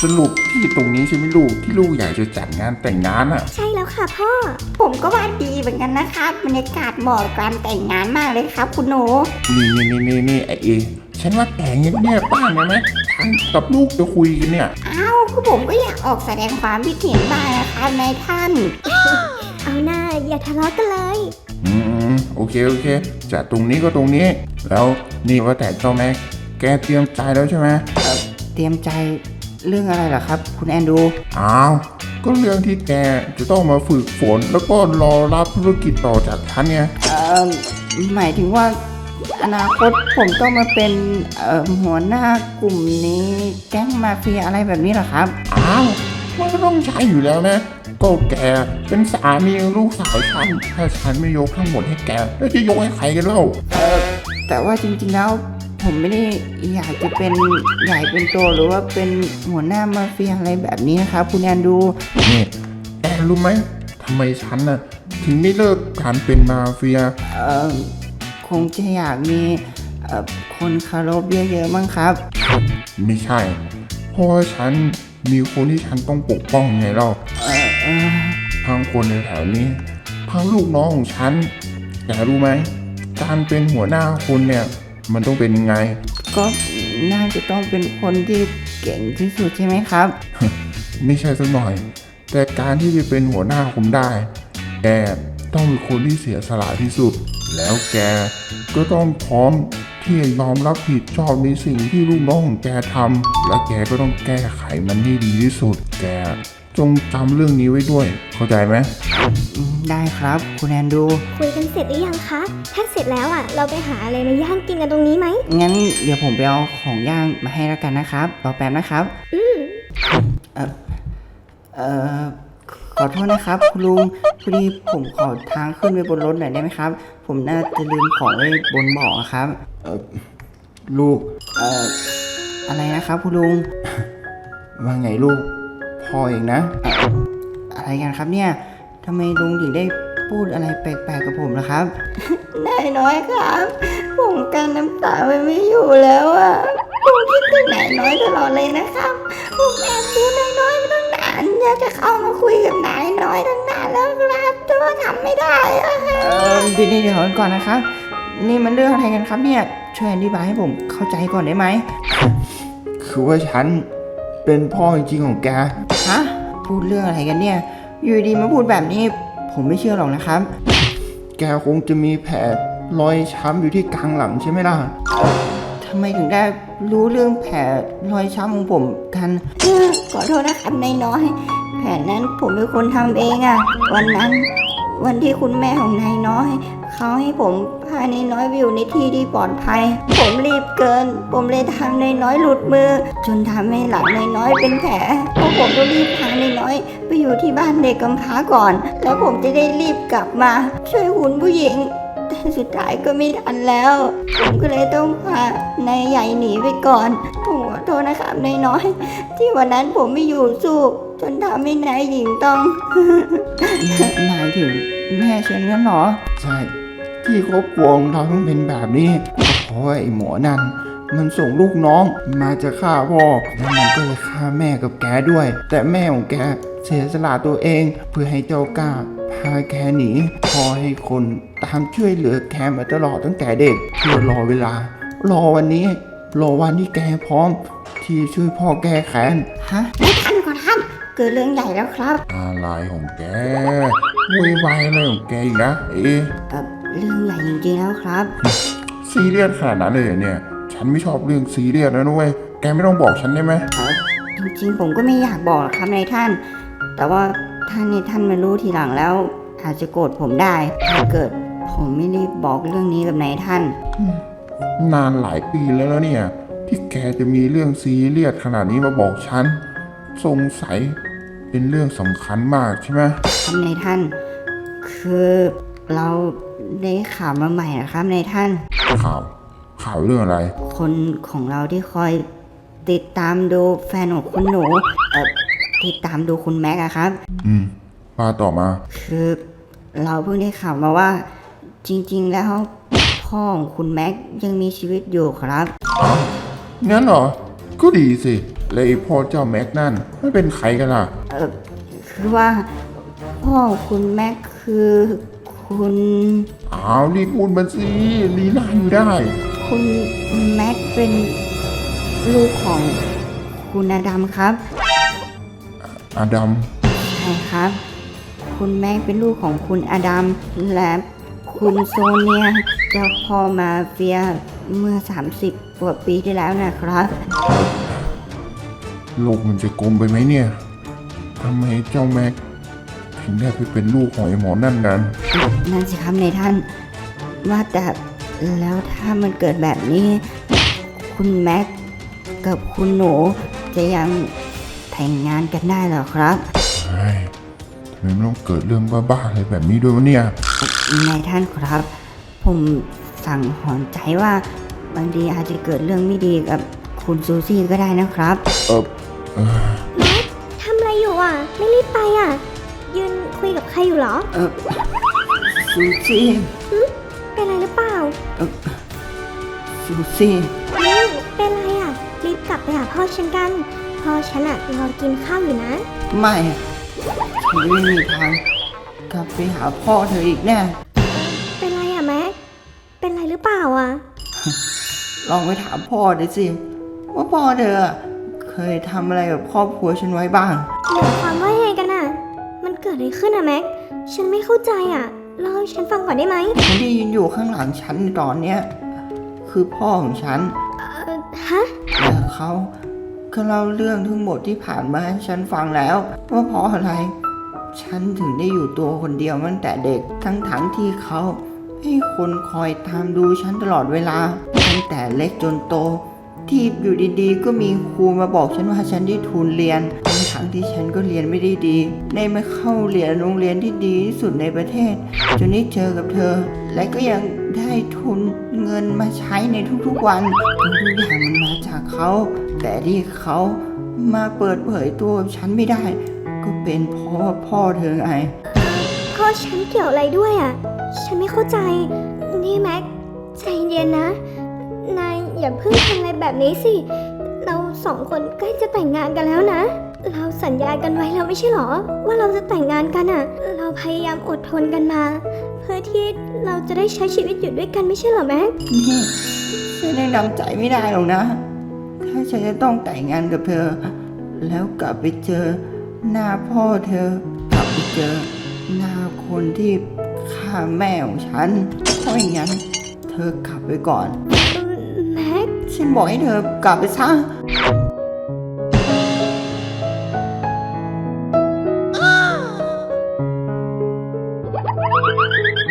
รุปที่ตรงนี้ใช่ไหมลูกที่ลูกอยากจะจัดงานแต่งงานอ่ะใช่แล้วค่ะพ่อผมก็ว่าดีเหมือนกันนะครับบรรยากาศเหมาะกับการแต่งงานมากเลยครับคุณหนูนี่ไอเอฉันว่าแต่งเงียบๆบ้างได้ไหมฉันกับลูกจะคุยกันเนี่ยอ้าวก็ผมก็อยากออกแสดงความคิดเห็นบ้างนะครับนายท่านเอาหน้าอย่าทะเลาะกันเลยโอเคจัดตรงนี้ก็ตรงนี้แล้วนี่ว่าแต่เจ้าแม็กแกเตรียมใจแล้วใช่ไหมเตรียมใจเรื่องอะไรเหรอครับคุณแอนดูอ้าวก็เรื่องที่แกจะต้องมาฝึกฝนแล้วก็รอรับธุรกิจต่อจากฉันไงหมายถึงว่าอนาคตผมต้องมาเป็นหัวหน้ากลุ่มนี้แก๊งมาเฟียอะไรแบบนี้เหรอครับอ้าวมันก็ต้องใช่อยู่แล้วนะก็แกเป็นสามีลูกสาวฉันถ้าฉันไม่ยกทั้งหมดให้แกแล้วจะยกให้ใครกันเล่าแต่ว่าจริงๆแล้วผมไม่ได้อยากจะเป็นใหญ่เป็นโตหรือว่าเป็นหัวหน้ามาเฟียอะไรแบบนี้นะครับคุณแอนดูนี่แกรู้ไหมทำไมฉันน่ะถึงไม่เลิกการเป็นมาเฟียคงจะอยากมีคนเคารพเยอะๆมั้งครับไม่ใช่เพราะฉันมีคนที่ฉันต้องปกป้องไงเล่าทั้งคนในแถวนี้ทั้งลูกน้องของฉันแกรู้ไหมการเป็นหัวหน้าคนเนี่ยมันต้องเป็นยังไงก็น่าจะต้องเป็นคนที่เก่งที่สุดใช่ไหมครับไม่ใช่สักหน่อยแต่การที่จะเป็นหัวหน้าผมได้แกต้องเป็นคนที่เสียสละที่สุดแล้วแกก็ต้องพร้อมที่จะยอมรับผิดชอบในสิ่งที่ลูกน้องของแกทำและแกก็ต้องแก้ไขมันให้ดีที่สุดแกจงจำเรื่องนี้ไว้ด้วยเข้าใจไหมได้ครับคุณแอนดูคุยกันเสร็จหรือยังคะถ้าเสร็จแล้วเราไปหาอะไรมาย่างกินกันตรงนี้ไหมงั้นเดี๋ยวผมไปเอาของย่างมาให้แล้วกันนะครับรอแป๊บนะครับขอโทษนะครับคุณลุงพอดีผมขอทางขึ้นไปบนรถหน่อยได้ไหมครับผมน่าจะลืมของไว้บนเบาะครับลูกอะไรนะครับคุณลุงว่าไงลูกพ่อเองนะอะไรกันครับเนี่ยทำไมลุงถึงได้พูดอะไรแปลกๆกับผมล่ะครับนายน้อยครับผมกันน้ำตาไม่อยู่แล้วผมคิดถึงนายน้อยตลอดเลยนะครับผมแอบดูนายน้อยมาตั้งนานอยากจะเข้ามาคุยกับนายน้อยตั้งนานแล้วครับแต่ว่าทำไม่ได้เดี๋ยวก่อนนะครับนี่มันเรื่องอะไรกันครับเนี่ยช่วยอธิบายให้ผมเข้าใจก่อนได้ไหมคือว่าฉันเป็นพ่อจริงๆของแกฮะพูดเรื่องอะไรกันเนี่ยอยู่ดีมาพูดแบบนี้ผมไม่เชื่อหรอกนะครับแกคงจะมีแผลรอยช้ำอยู่ที่กลางหลังใช่ไหมล่ะทำไมถึงได้รู้เรื่องแผลรอยช้ำของผมกันขอโทษนะครับนายน้อยแผลนั้นผมเป็นคนทำเองวันที่คุณแม่ของนายน้อยเขาให้ผมพานายน้อยไปอยู่ในที่ที่ปลอดภัยผมรีบเกินผมเลยทำนายน้อยหลุดมือจนทำให้หลังนายน้อยเป็นแผลเพราะผมก็รีบพานายน้อยไปอยู่ที่บ้านเด็กกำพร้าก่อนแล้วผมจะได้รีบกลับมาช่วยคุณผู้หญิงแต่สุดท้ายก็ไม่ทันแล้วผมก็เลยต้องพานายใหญ่หนีไปก่อนผมขอโทษนะครับนายน้อยที่วันนั้นผมไม่อยู่สู้จนทำให้นายหญิงต้องหมายถึงแม่ฉันงั้นเหรอใช่ที่ครอบครัวของเราต้องเป็นแบบนี้เพราะไอ้หมอนั่นมันส่งลูกน้องมาจะฆ่าพ่อแล้วมันก็จะฆ่าแม่กับแกด้วยแต่แม่ของแกเสียสละตัวเองเพื่อให้เจ้ากล้าพาแกหนีพอให้คนตามช่วยเหลือแกมาตลอดตั้งแต่เด็กเพื่อรอเวลารอวันนี้รอวันที่แกพร้อมที่ช่วยพ่อแก้แค้นฮะไม่ทันก่อนท่านเกิดเรื่องใหญ่แล้วครับอะไรของแกวุ่นวายอะไรของแกอีกนะเรื่องใหญ่จริงๆแล้วครับซีเรียสขนาดนั้นเลยเนี่ยฉันไม่ชอบเรื่องซีเรียสนะนุ้ยแกไม่ต้องบอกฉันได้ไหมจริงๆผมก็ไม่อยากบอกครับนายท่านแต่ว่าท่านมารู้ทีหลังแล้วอาจจะโกรธผมได้ถ้าเกิดผมไม่รีบบอกเรื่องนี้กับนายท่านนานหลายปีแล้วเนี่ยที่แกจะมีเรื่องซีเรียสขนาดนี้มาบอกฉันสงสัยเป็นเรื่องสำคัญมากใช่ไหมครับนายท่านคือเราได้ข่าวมาใหม่นะครับนายท่านข่าวเรื่องอะไรคนของเราที่คอยติดตามดูแฟนของคุณหนูติดตามดูคุณแม็กอะครับว่าต่อมาคือเราเพิ่งได้ข่าวมาว่าจริงๆแล้วพ่อของคุณแม็กยังมีชีวิตอยู่ครับงั้นเหรอก็ดีสิแล้วไอ้พ่อเจ้าแม็กนั่นไม่เป็นใครกันล่ะคือว่าพ่อคุณแม็กคือคุณอ้าวรีบพูดมาสิลีลาอยู่ได้คุณแม็กเป็นลูกของคุณอดัมครับอาดัมใช่ครับ คุณแม็กเป็นลูกของคุณอดัมและคุณโซเนียเจ้าพ่อมาเฟียเมื่อ 30 กว่าปีที่แล้วนะครับโลกมันจะกลมไปไหมเนี่ยทำไมเจ้าแม็กถึงได้ไปเป็นลูกของไอ้หมอนั่นกันนั่นสิครับในท่านว่าแต่แล้วถ้ามันเกิดแบบนี้ คุณแม็กกับคุณหนูจะยังแต่งงานกันได้เหรอครับเฮ้ยทำไมมันต้องเกิดเรื่องบ้าๆอะไรแบบนี้ด้วยวะเนี่ยในท่านครับ ผมสั่งหอนใจว่าบางทีอาจจะเกิดเรื่องไม่ดีกับคุณซูซี่ก็ได้นะครับแม็กทำอะไรอยู่อ่ะ ไม่รีบไปอ่ะ ยืนคุยกับใครอยู่เหรอซูซี่เป็นอะไรหรือเปล่าซูซี่นี่เป็นอะไรอ่ะ รีบกลับไปหาพ่อฉันกัน พ่อฉันอ่ะรอกินข้าวอยู่นะไม่อะฉันไม่มีทางกลับไปหาพ่อเธออีกแน่เป็นไรอ่ะแม็ก เป็นไรหรือเปล่าอ่ะลองไปถามพ่อดูสิ ว่าพ่อเธอเคยทำอะไรกับครอบครัวฉันไว้บ้างหมายความว่ายังไงกันอ่ะ มันเกิดอะไรขึ้นอ่ะแม็ก ฉันไม่เข้าใจอ่ะเล่าให้ฉันฟังก่อนได้ไหมคนที่ยืนอยู่ข้างหลังฉันในตอนเนี้ยคือพ่อของฉันฮะและเขาก็เล่าเรื่องทั้งหมดที่ผ่านมาให้ฉันฟังแล้ว ว่าเพราะอะไร ฉันถึงได้อยู่ตัวคนเดียวตั้งแต่เด็กทั้งที่เขาให้คนคอยตามดูฉันตลอดเวลาตั้งแต่เล็กจนโต ที่อยู่ดีๆ ก็มีครูมาบอกฉันว่าฉันได้ทุนเรียนทั้งที่ฉันก็เรียนไม่ได้ดีได้มาเข้าเรียนโรงเรียนที่ดีที่สุดในประเทศจนได้เจอกับเธอ และก็ยังได้ทุนเงินมาใช้ในทุกๆวันทุกอย่างมันมาจากเขา แต่ที่เขามาเปิดเผยตัวกับฉันไม่ได้ ก็เป็นเพราะว่าพ่อเธอไงพ่อฉันเกี่ยวอะไรด้วยอ่ะ ฉันไม่เข้าใจ นี่แม็ก ใจเย็นนะ นายอย่าเพิ่งทำอะไรแบบนี้สิ เราสองคนใกล้จะแต่งงานกันแล้วนะ เราสัญญากันไว้แล้วไม่ใช่หรอ ว่าเราจะแต่งงานกันอ่ะ เราพยายามอดทนกันมา เพื่อที่เราจะได้ใช้ชีวิตอยู่ด้วยกันไม่ใช่เหรอแม็กนี่ฉันยังนำใจไม่ได้หรอกนะ ถ้าฉันจะต้องแต่งงานกับเธอ แล้วกลับไปเจอหน้าพ่อเธอ กลับไปเจอหน้าคนที่ฆ่าแม่ของฉัน เพราะอย่างนั้นเธอกลับไปก่อนแม็กฉันบอกให้เธอกลับไปซะแ